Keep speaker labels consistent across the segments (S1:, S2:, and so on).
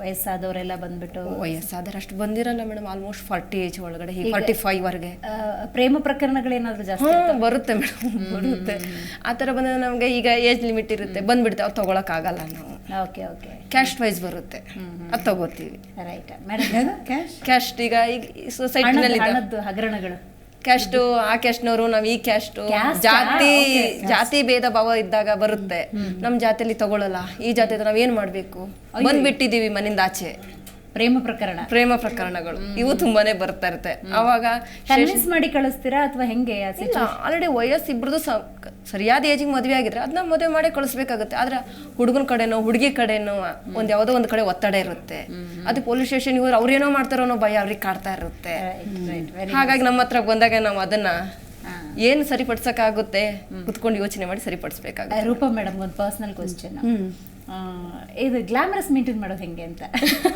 S1: ವಯಸ್ಸಾದವರೆಲ್ಲ ಬಂದ್ಬಿಟ್ಟು
S2: ವಯಸ್ಸಾದ್ರೆ ಅಷ್ಟು ಬಂದಿರಲ್ಲ ಮೇಡಮ್, ಆಲ್ಮೋಸ್ಟ್ 40 ಏಜ್ ಒಳಗಡೆ 45 ವರೆಗೆ.
S1: ಪ್ರೇಮ ಪ್ರಕರಣಗಳೇನಾದ್ರು ಜಾಸ್ತಿ
S2: ಬರುತ್ತೆ ಮೇಡಮ್, ಬರುತ್ತೆ. ಆ ಥರ ಬಂದರೆ ನಮಗೆ ಈಗ ಏಜ್ ಲಿಮಿಟ್ ಇರುತ್ತೆ, ಬಂದ್ಬಿಡ್ತೆ, ಅವ್ರು ತೊಗೊಳಕ್ಕಾಗಲ್ಲ ನಾವು.
S1: ಓಕೆ ಓಕೆ,
S2: ಕ್ಯಾಸ್ಟ್ ವೈಸ್ ಬರುತ್ತೆ, ಅದು ತಗೋತೀವಿ.
S1: Right madam.
S2: ಕ್ಯಾಸ್ಟ್ ಈಗ ಸೊಸೈಟಿನಲ್ಲಿ
S1: ಹಗರಣಗಳು,
S2: ಕ್ಯಾಸ್ಟು ಆ ಕ್ಯಾಸ್ಟ್ನವರು, ನಾವು ಈ ಕ್ಯಾಸ್ಟು, ಜಾತಿ ಭೇದ ಭಾವ ಇದ್ದಾಗ ಬರುತ್ತೆ. ನಮ್ಮ ಜಾತಿಯಲ್ಲಿ ತಗೊಳ್ಳಲ್ಲ, ಈ ಜಾತಿ ನಾವೇನ್ ಮಾಡ್ಬೇಕು, ಬಂದ್ಬಿಟ್ಟಿದೀವಿ ಮನೆಯಿಂದ ಆಚೆ.
S1: ಪ್ರೇಮ
S2: ಪ್ರಕರಣಗಳು ಇವು ತುಂಬಾನೇ ಬರ್ತಾ ಇರುತ್ತೆ. ಅವಾಗ
S1: ಕನ್ವಿನ್ಸ್ ಮಾಡಿ ಕಳಿಸ್ತೀರಾ ಅಥವಾ ಹೆಂಗೆ?
S2: ಆಲ್ರೆಡಿ ವಯಸ್ಸು ಇಬ್ರದ್ದು ಸರಿಯಾದ ಏಜಿಗೆ ಮದುವೆ ಆಗಿದ್ರೆ ಅದನ್ನ ಮದುವೆ ಮಾಡಿ ಕಳಿಸ್ಬೇಕಾಗುತ್ತೆ. ಆದ್ರೆ ಹುಡುಗನ ಕಡೆನೋ ಹುಡುಗಿ ಕಡೆನೋ ಯಾವುದೋ ಒಂದು ಕಡೆ ಒತ್ತಡ ಇರುತ್ತೆ. ಅದು ಪೊಲೀಸ್ ಸ್ಟೇಷನ್ ಹೋದ್ರೆ ಅವ್ರೇನೋ ಮಾಡ್ತಾರೋ ಅನ್ನೋ ಭಯ ಅವ್ರಿಗೆ ಕಾಡ್ತಾ ಇರುತ್ತೆ. ಹಾಗಾಗಿ ನಮ್ಮ ಹತ್ರ ಬಂದಾಗ ನಾವು ಅದನ್ನ ಏನು ಸರಿಪಡಿಸಕ್ಕಾಗುತ್ತೆ ಕುತ್ಕೊಂಡು ಯೋಚನೆ ಮಾಡಿ ಸರಿಪಡಿಸ್ಬೇಕಾಗುತ್ತೆ.
S1: ರೂಪಾ ಮೇಡಮ್, ಒಂದು ಪರ್ಸನಲ್ ಕ್ವಶನ್, ಇದು ಗ್ಲಾಮರಸ್ ಮೇಂಟೈನ್ ಮಾಡೋದು ಹೆಂಗೆ ಅಂತ?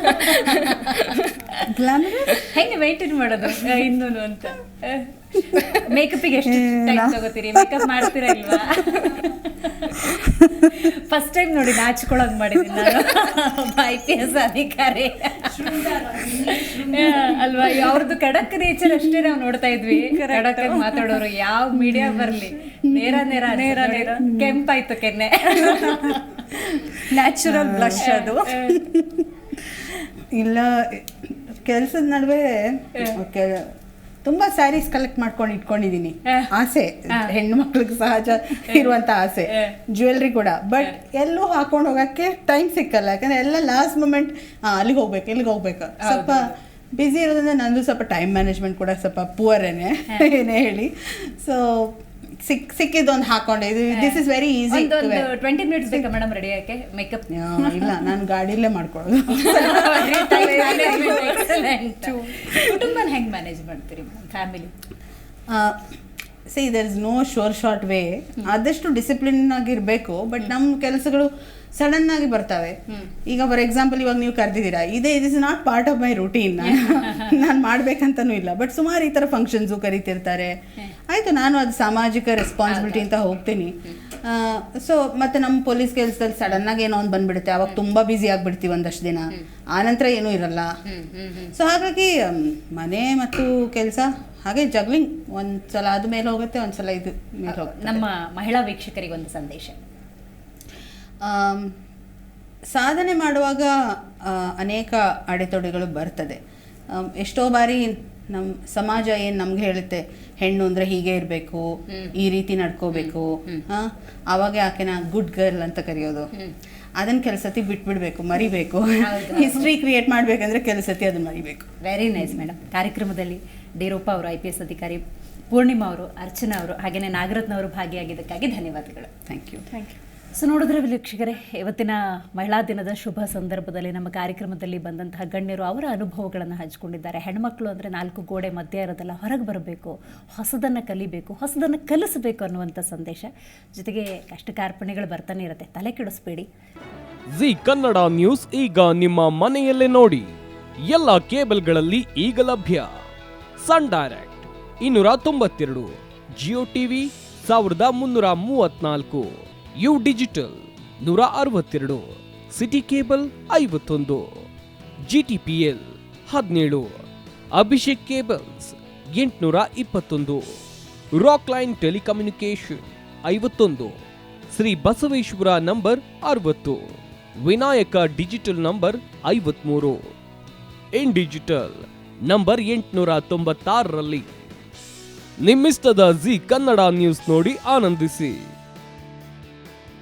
S1: ಗ್ಲಾಮರಸ್ ಹೆಂಗೆ ಮೇಂಟೈನ್ ಮಾಡೋದು ಇನ್ನೂನು ಅಂತ? ಮೇಕಪ್ಪಿಗೆ ಎಷ್ಟು ಟೈಮ್ ತಗೋತೀರಿ? ಮೇಕಪ್ ಮಾಡ್ತೀರಾ ಇಲ್ವಾ? ಫಸ್ಟ್ ಟೈಮ್ ನೋಡಿ ನಾಚ್ಕೊಳ್ಳೋದು ಮಾಡಿದ್ದೀನಿ ನಾನು, IPS ಅಧಿಕಾರಿ ಅಲ್ವಾ? ಅವ್ರದ್ದು ಖಡಕ್ ನೇಚರ್ ಅಷ್ಟೇ ನಾವು ನೋಡ್ತಾ ಇದ್ವಿ. ಖಡಕ್ ಮಾತಾಡೋರು, ಯಾವ ಮೀಡಿಯಾ ಬರ್ಲಿ ನೇರ ನೇರ ನೇರ ನೇರ ಕೆಂಪಾಯ್ತು ಕೆನ್ನೆ,
S3: ನ್ಯಾಚುರಲ್ ಬ್ಲಷ್ ಅದು. ಇಲ್ಲ, ಕೆಲಸದ ನಡುವೆ ತುಂಬಾ ಸ್ಯಾರೀಸ್ ಕಲೆಕ್ಟ್ ಮಾಡ್ಕೊಂಡು ಇಟ್ಕೊಂಡಿದೀನಿ. ಆಸೆ, ಹೆಣ್ಣು ಮಕ್ಳಿಗೆ ಸಹಜ ಇರುವಂತ ಆಸೆ, ಜ್ಯುವೆಲ್ರಿ ಕೂಡ. ಬಟ್ ಎಲ್ಲೂ ಹಾಕೊಂಡು ಹೋಗಕ್ಕೆ ಟೈಮ್ ಸಿಕ್ಕಲ್ಲ, ಯಾಕಂದ್ರೆ ಎಲ್ಲ ಲಾಸ್ಟ್ ಮೂಮೆಂಟ್ ಅಲ್ಲಿಗೆ ಹೋಗ್ಬೇಕು ಇಲ್ಲಿಗೆ ಹೋಗ್ಬೇಕು. ಸ್ವಲ್ಪ ಬ್ಯುಸಿ ಇರೋದ್ರಿಂದ ನಂದು ಸ್ವಲ್ಪ ಟೈಮ್ ಮ್ಯಾನೇಜ್ಮೆಂಟ್ ಕೂಡ ಸ್ವಲ್ಪ ಪುವರೇನೆ ಏನೇ ಹೇಳಿ. ಸೊ ಸಿಕ್ಕಿದ್ದೊಂದು ಹಾಕೊಂಡೆ. This is very easy.
S1: 20 minutes ಬೇಕಾ ಮೇಡಮ್ ರೆಡಿ ಆಕೆ ಮೇಕಪ್?
S3: ಇಲ್ಲ, ನಾನು ಗಾಡಿಯಲ್ಲೇ ಮಾಡ್ಕೊಳ್ಳೋದು.
S1: ಕುಟುಂಬನ ಹೆಂಗ್ ಮ್ಯಾನೇಜ್ ಮಾಡ್ತೀರಿ family?
S3: See, there is no short way. ಆದಷ್ಟು ಡಿಸಿಪ್ಲಿನ್ ಆಗಿರ್ಬೇಕು. ಬಟ್ ನಮ್ಮ ಕೆಲಸಗಳು ಸಡನ್ ಆಗಿ ಬರ್ತವೆ. ಈಗ ಫಾರ್ ಎಕ್ಸಾಂಪಲ್ ಇವಾಗ ನೀವು ಕರೆದಿದ್ದೀರಾ, it is not part of my routine. ನಾನು ಮಾಡ್ಬೇಕಂತನೂ ಇಲ್ಲ. ಬಟ್ ಸುಮಾರು ಈ ಥರ ಫಂಕ್ಷನ್ಸು ಕರಿತಿರ್ತಾರೆ. ಆಯಿತು, ನಾನು ಅದು ಸಾಮಾಜಿಕ ರೆಸ್ಪಾನ್ಸಿಬಿಲಿಟಿ ಅಂತ ಹೋಗ್ತೀನಿ. ಸೊ ಮತ್ತು ನಮ್ಮ ಪೊಲೀಸ್ ಕೆಲಸದಲ್ಲಿ ಸಡನ್ನಾಗಿ ಏನೋ ಒಂದು ಬಂದ್ಬಿಡುತ್ತೆ. ಅವಾಗ ತುಂಬ ಬ್ಯುಸಿ ಆಗಿಬಿಡ್ತೀವಿ ಒಂದಷ್ಟು ದಿನ, ಆನಂತರ ಏನೂ ಇರಲ್ಲ. ಸೊ ಹಾಗಾಗಿ ಮನೆ ಮತ್ತು ಕೆಲಸ ಹಾಗೆ ಜಗ್ಲಿಂಗ್, ಒಂದ್ಸಲ ಅದು ಮೇಲೆ ಹೋಗುತ್ತೆ, ಒಂದ್ಸಲ ಇದು ಮೇಲೆ ಹೋಗುತ್ತೆ.
S1: ನಮ್ಮ ಮಹಿಳಾ ವೀಕ್ಷಕರಿಗೆ ಒಂದು ಸಂದೇಶ.
S3: ಸಾಧನೆ ಮಾಡುವಾಗ ಅನೇಕ ಅಡೆತಡೆಗಳು ಬರ್ತದೆ. ಎಷ್ಟೋ ಬಾರಿ ನಮ್ಮ ಸಮಾಜ ಏನು ನಮ್ಗೆ ಹೇಳುತ್ತೆ, ಹೆಣ್ಣು ಅಂದರೆ ಹೀಗೆ ಇರಬೇಕು, ಈ ರೀತಿ ನಡ್ಕೋಬೇಕು, ಆವಾಗ ಆಕೆನ ಗುಡ್ ಗರ್ಲ್ ಅಂತ ಕರೆಯೋದು. ಅದನ್ನು ಕೆಲಸತಿ ಬಿಟ್ಬಿಡ್ಬೇಕು, ಮರಿಬೇಕು. ಹಿಸ್ಟ್ರಿ ಕ್ರಿಯೇಟ್ ಮಾಡಬೇಕಂದ್ರೆ ಕೆಲಸತಿ ಅದನ್ನು ಮರಿಬೇಕು.
S1: Very nice madam. ಕಾರ್ಯಕ್ರಮದಲ್ಲಿ ಡಿ ರೂಪಾ ಅವರು, IPS ಅಧಿಕಾರಿ, ಪೂರ್ಣಿಮಾ ಅವರು, ಅರ್ಚನಾ ಅವರು, ಹಾಗೆಯೇ ನಾಗರತ್ನ ಅವರು ಭಾಗಿಯಾಗಿದ್ದಕ್ಕಾಗಿ ಧನ್ಯವಾದಗಳು.
S3: Thank you.
S1: ಸೊ ನೋಡಿದ್ರೆ ವೀಕ್ಷಕರೇ, ಇವತ್ತಿನ ಮಹಿಳಾ ದಿನದ ಶುಭ ಸಂದರ್ಭದಲ್ಲಿ ನಮ್ಮ ಕಾರ್ಯಕ್ರಮದಲ್ಲಿ ಬಂದಂತಹ ಗಣ್ಯರು ಅವರ ಅನುಭವಗಳನ್ನು ಹಂಚಿಕೊಂಡಿದ್ದಾರೆ. ಹೆಣ್ಮಕ್ಳು ಅಂದರೆ 4 ಗೋಡೆ ಮಧ್ಯೆ ಇರೋದಲ್ಲ, ಹೊರಗೆ ಬರಬೇಕು, ಹೊಸದನ್ನು ಕಲಿಬೇಕು, ಹೊಸದನ್ನು ಕಲಿಸಬೇಕು ಅನ್ನುವಂಥ ಸಂದೇಶ. ಜೊತೆಗೆ ಕಷ್ಟ ಕಾರ್ಪಣ್ಯಗಳು ಬರ್ತಾನೆ ಇರುತ್ತೆ, ತಲೆ ಕೆಡಿಸ್ಬೇಡಿ.
S4: ಜಿ ಕನ್ನಡ ನ್ಯೂಸ್ ಈಗ ನಿಮ್ಮ ಮನೆಯಲ್ಲೇ ನೋಡಿ. ಎಲ್ಲ ಕೇಬಲ್ಗಳಲ್ಲಿ ಈಗ ಲಭ್ಯ. Sun Direct 292, Jio TV 1334, U digital 162, city cable 51, GTPL 17, Abhishek cables 821, rock line telecommunication 51, Shri Basaveshwara number 60, Vinayaka digital number 53, in digital number 896ರಲ್ಲಿ. ನಿಮ್ಮಿಷ್ಟದ ಜಿ ಕನ್ನಡ ನ್ಯೂಸ್ ನೋಡಿ ಆನಂದಿಸಿ.